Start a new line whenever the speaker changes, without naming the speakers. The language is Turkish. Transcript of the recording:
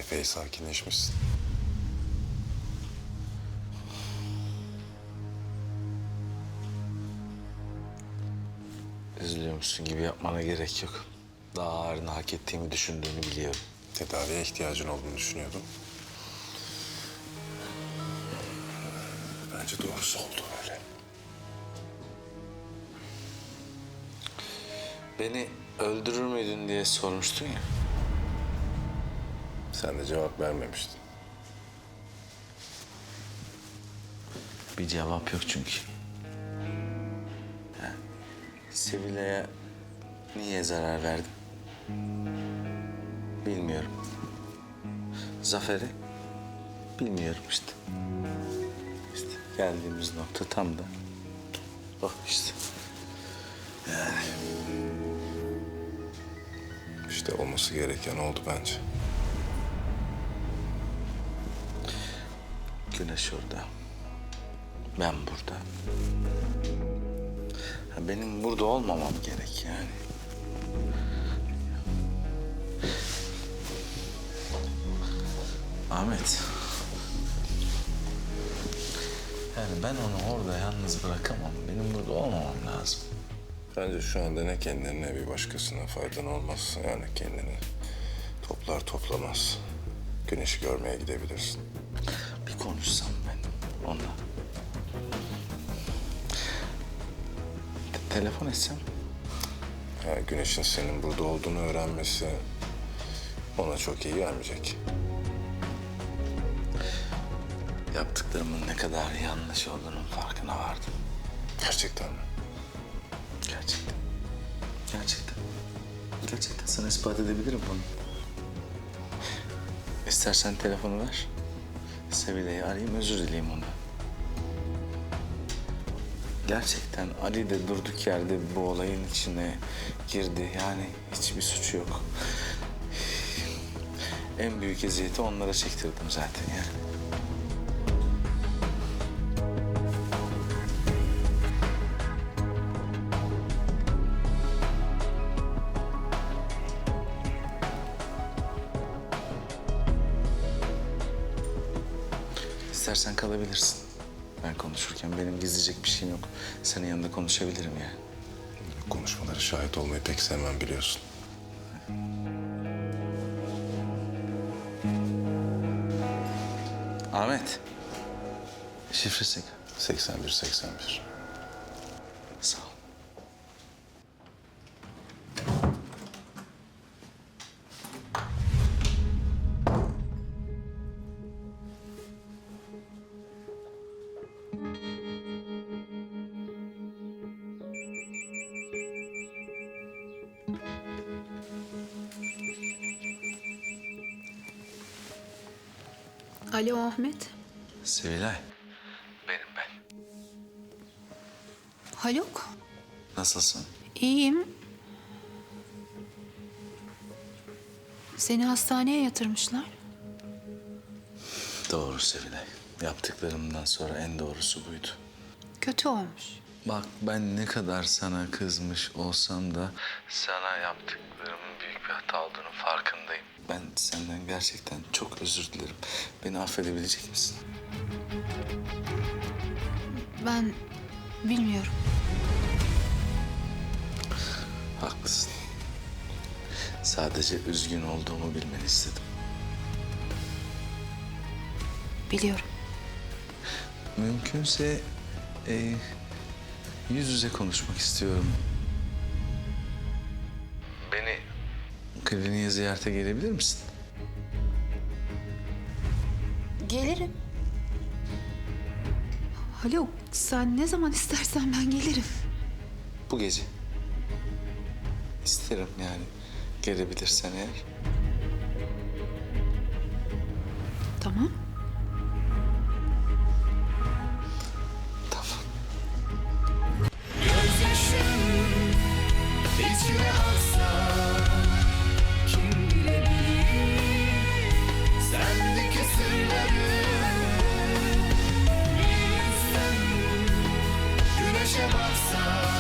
Epey sakinleşmişsin.
Üzülüyormuşsun gibi yapmana gerek yok. Daha ağırını hak ettiğimi düşündüğünü biliyorum.
Tedaviye ihtiyacın olduğunu düşünüyordum. Bence doğrusu oldu öyle.
Beni öldürür müydün diye sormuştun ya.
Sen de cevap vermemiştin.
Bir cevap yok çünkü. Yani Sevilay'a niye zarar verdim? Bilmiyorum. Zafer'e bilmiyorum işte. İşte geldiğimiz nokta tam da o işte.
İşte olması gereken oldu bence.
Güneş orada. Ben burada. Ha, benim burada olmamam gerek yani. Ahmet. Yani ben onu orada yalnız bırakamam. Benim burada olmamam lazım.
Bence şu anda ne kendine ne bir başkasına faydan olmaz. Yani kendini toplar toplamaz. Güneşi görmeye gidebilirsin.
Bir konuşsam ben onunla. Telefon etsem.
Yani güneşin senin burada olduğunu öğrenmesi ona çok iyi gelmeyecek.
Yaptıklarımın ne kadar yanlış olduğunun farkına vardım.
Gerçekten mi?
Gerçekten. Gerçekten. Gerçekten sana ispat edebilirim bunu. İstersen telefonu ver. Sevilay'ı arayayım, özür dileyeyim ondan. Gerçekten Ali de durduk yerde bu olayın içine girdi. Yani hiçbir suçu yok. En büyük eziyeti onlara çektirdim zaten yani. İstersen kalabilirsin. Ben konuşurken benim gizleyecek bir şeyim yok. Senin yanında konuşabilirim yani.
Konuşmalara şahit olmayı pek sevmem biliyorsun.
Ahmet. Şifresi.
81-81.
Sağ ol.
Alo Ahmet.
Sevilay. Benim ben.
Haluk.
Nasılsın?
İyiyim. Seni hastaneye yatırmışlar.
Doğru Sevilay. Yaptıklarımdan sonra en doğrusu buydu.
Kötü olmuş.
Bak ben ne kadar sana kızmış olsam da sana yaptıklarımın büyük bir hata olduğunu farkındayım. Ben senden gerçekten çok özür dilerim. Beni affedebilecek misin?
Ben bilmiyorum.
Haklısın. Sadece üzgün olduğumu bilmeni istedim.
Biliyorum.
Mümkünse yüz yüze konuşmak istiyorum. Beni kliniğe ziyarete gelebilir misin?
Gelirim. Haluk sen ne zaman istersen ben gelirim.
Bu gece. İsterim yani. Gelebilirsen eğer.
Tamam.
Tamam.
Gözyaşım içime aksa kim bilebilir sendeki sırları bir insan güneşe baksa